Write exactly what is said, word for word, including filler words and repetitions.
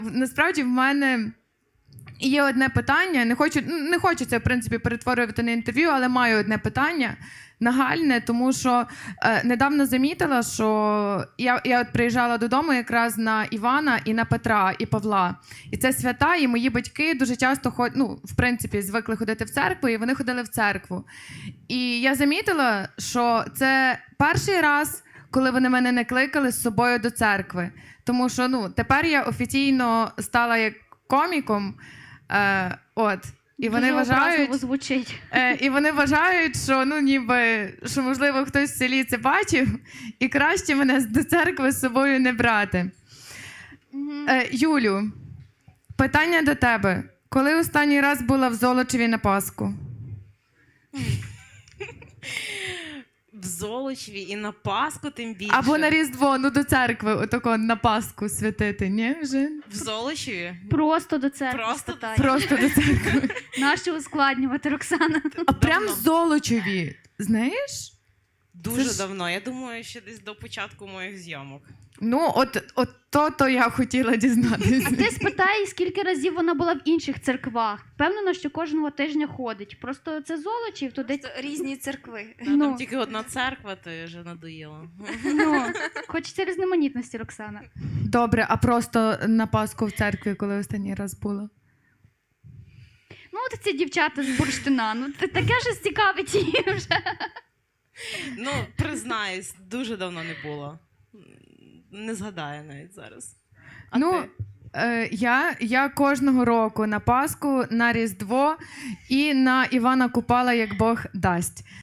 Насправді в мене є одне питання. Не хочу, не хочу це, в принципі, перетворювати на інтерв'ю, але маю одне питання нагальне, тому що е, недавно замітила, що я, я от приїжджала додому якраз на Івана і на Петра і Павла. І це свята, і мої батьки дуже часто ходять, ну, в принципі, звикли ходити в церкву, і вони ходили в церкву. І я замітила, що це перший раз, коли вони мене не кликали з собою до церкви. Тому що, ну, тепер я офіційно стала як коміком, е, от. І вони Дуже вважають, образливо звучить. Е, і вони вважають, що, ну, ніби, що, можливо, хтось в селі це бачив, і краще мене до церкви з собою не брати. Мгм. Е, Юлю, питання до тебе. Коли останній раз була в Золочеві на Пасху? В Золочеві і на Пасху тим більше. Або на Різдво, ну до церкви, отако на Пасху святити, ні? Вже? В Золочеві? Просто до церкви Просто- спитання. Просто до церкви. Нащо ускладнювати, Роксана? А прям в Золочеві, знаєш? Дуже Це ж- давно. Я думаю, ще десь до початку моїх зйомок. Ну, от, от то-то я хотіла дізнатися. А ти спитай, скільки разів вона була в інших церквах. Впевнена, що кожного тижня ходить. Просто це Золочів, туди... Просто різні церкви. Ну, Ну. Там тільки одна церква, то я вже надоїла. Ну, хочеться різноманітності, Роксана. Добре, а просто на Пасху в церкві, коли останній раз була? Ну, от ці дівчата з бурштина, ну це таке ж цікавить її вже. Ну, признаюсь, дуже давно не було. Не згадаю навіть зараз. А ну, ти? е, я, я кожного року на Пасху, на Різдво і на Івана Купала, як Бог дасть.